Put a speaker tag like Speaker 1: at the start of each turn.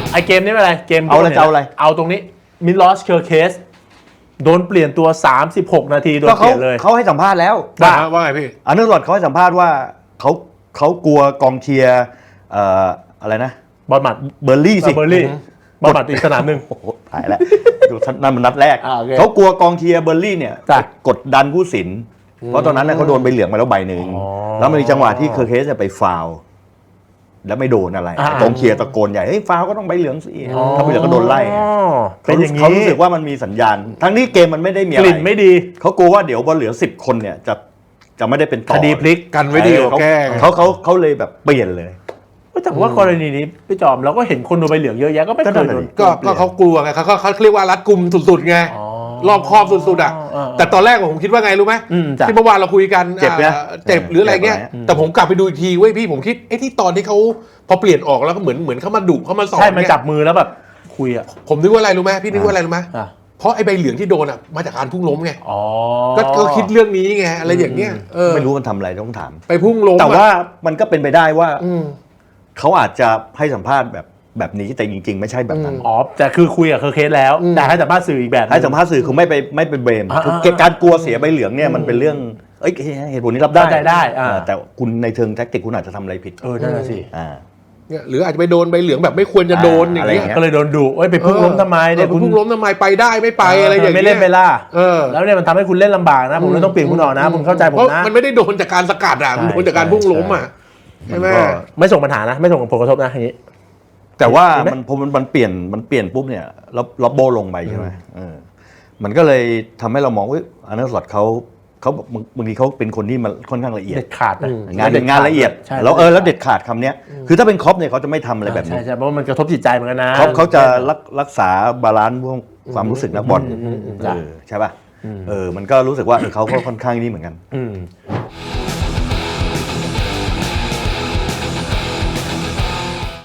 Speaker 1: ไอเกมนี้ไม่เป็นไรเกม
Speaker 2: เอาอะไร
Speaker 1: เอาตรงนี้มิลอสเคอร์เคสโดนเปลี่ยนตัว36นาทีโดนเปลี่ยนเลย
Speaker 2: เขาให้สัมภาษณ์แล้ว
Speaker 3: ว่าไงพี่
Speaker 2: อาร์เนอร์สล็อตเขาให้สัมภาษณ์ว่าเขากลัวกองเชียร์อะไรนะ
Speaker 1: บอลหมัด
Speaker 2: เบอร์ลี่สิ
Speaker 1: บอลหมัดอีกสนามหนึ่ง
Speaker 2: โอ้โหตายแล้วดูนั่นมันนัดแรก
Speaker 1: โอเค
Speaker 2: เขากลัวกองเชียร์เบอร์ลี่เนี่ย
Speaker 1: จ้ะ
Speaker 2: กดดันผู้สินเพราะตอนนั้นเขาโดนใบเหลืองมาแล้วใบหนึ่ง
Speaker 1: อ๋อ
Speaker 2: แล้วมันมีจังหวะที่เคอร์เคสไปฟาวล์แล้วไม่โดนอะไรกองเชียร์ตะโกนใหญ่เฮ้ยฟาวล์ก็ต้องใบเหลืองสิถ้าใบเหลืองก็โดนไล่
Speaker 1: เป็นอย่างนี้
Speaker 2: เขารู้สึกว่ามันมีสัญญาณทั้งนี้เกมมันไม่ได้มีอะ
Speaker 1: ก
Speaker 2: ไร
Speaker 1: ลิ่นไม่ดี
Speaker 2: เขากลัวว่าเดี๋ยวพอเหลือ10 คนเนี่ยจะไม่ได้เป็นต่อ
Speaker 1: คดีพลิก
Speaker 3: กันไว้ดีกว่าแก้ไง
Speaker 2: เขาเลยแบบเปลี่ยนเลย
Speaker 1: แต่ว่ากรณีนี้พี่จอมเราก็เห็นคนโดนใบเหลืองเยอะแยะก็ไม่เคยโดน
Speaker 3: ก็เขากลัวไงเขาเรียกว่ารัดกุมสุดๆไง
Speaker 1: อ๋อ
Speaker 3: รอบคอบสุดๆอ่ะ แต่ตอนแรกผมคิดว่าไงรู้ไหม
Speaker 1: จ้ะ
Speaker 3: ที่เมื่อวานเราคุยกัน
Speaker 2: เจ็บนะ
Speaker 3: เจ็บหรืออะไรเงี้ย
Speaker 2: เจ็บไหม
Speaker 3: แต่ผมกลับไปดูอีกทีเว้ยพี่ผมคิดที่ตอนที่เขาพอเปลี่ยนออกแล้วก็เหมือนเขามาดุเขามาสอน
Speaker 1: ใช่มัน
Speaker 3: เนี่ย
Speaker 1: จับมือแล้วแบบคุยอ่ะ
Speaker 3: ผมนึกว่าอะไรรู้ไหมพี่นึกว่าอะไรรู้ไหม
Speaker 1: อ่ะ
Speaker 3: เพราะไอ้ใบเหลืองที่โดนอ่ะมาจากการพุ่งล้มไง
Speaker 1: อ๋อ
Speaker 3: ก็คิดเรื่องนี้ไงอะไรอย่างเงี้ย
Speaker 2: ไม่รู้มันทำอะไรต้องถาม
Speaker 3: ไปพุ่งล้ม
Speaker 2: แต่ว่ามันก็เป็นไปได้ว่า
Speaker 3: อืม
Speaker 2: เขาอาจจะให้สัมภาษณ์แบบนี้แต่จริงๆ ไม่ใช่แบบนั้น
Speaker 1: อ๋อแต่คือคุยกับเคอร์เคสแล้วแต่ให้สัมภาษณ์สื่ออีกแบบนึง
Speaker 2: ให้สัมภาษณ์สื่อคือไม่ไปเบรม
Speaker 1: อ่า
Speaker 2: คือการกลัวเสียใบเหลืองเนี่ยมันเป็นเรื่องเหตุผลนี้รับได้
Speaker 1: เข้าใจได้
Speaker 2: แต่คุณในเชิงแท็กติกคุณอาจจะทำอะไรผิด
Speaker 1: นั่นน่ะสิ
Speaker 2: อ่า
Speaker 3: เนี่ยหรืออาจจะไปโดนใบเหลืองแบบไม่ควรจะโดนอย่างเงี้ย
Speaker 2: อะไร
Speaker 1: ก็เลยโดนดุไปพุ่งล้มทำไมเนี่ย
Speaker 3: คุณพุ่งล้มทำไมไปได้ไม่ไปอะไรอย่างเงี้ย
Speaker 1: ไม่เล่นไปล่ะ
Speaker 3: เออ
Speaker 1: แล้วเนี่ยมันทำให้คุณเล่นลำบากนะผมเลยต้องเปลี่ยนคุณออกนะผมเข้าใจผม
Speaker 3: เพราะ
Speaker 1: นะ
Speaker 3: มันไม่ได้โดนจากการสกัดอ่ะมันโดนจากการพุ่งล้มอ่ะใช่ไหม
Speaker 1: ไม่ส่งปัญหานะไม่ส่งผลกระทบนะอย่างนี้
Speaker 2: แต่ว่า
Speaker 1: เห็นไหม
Speaker 2: พอมันเปลี่ยนปุ๊บเนี่ยล็อบโบลงไปใช่ไหมมันก็เลยทำให้เรามองว่าอาร์เนอร์สล็อตเขาบางทีเขาเป็นคนที่มันค่อนข้างละเอียด
Speaker 1: เด็ดขาดนะ
Speaker 2: งานละเอียด
Speaker 1: ใช่
Speaker 2: แล้วเด็ดขาดคำเนี้ยคือถ้าเป็นครอปเนี่ยเขาจะไม่ทำอะไรแบบนี้
Speaker 1: ใช่เพราะว่ามันกระทบจิตใจเหมือนกันนะ
Speaker 2: เขาจะรักษาบาลานซ์พวกความรู้สึกนักบอล
Speaker 1: จ้ะ
Speaker 2: ใช่ป่ะมันก็รู้สึกว่าเขาก็ค่อนข้างนี่เหมือนกัน
Speaker 1: อืม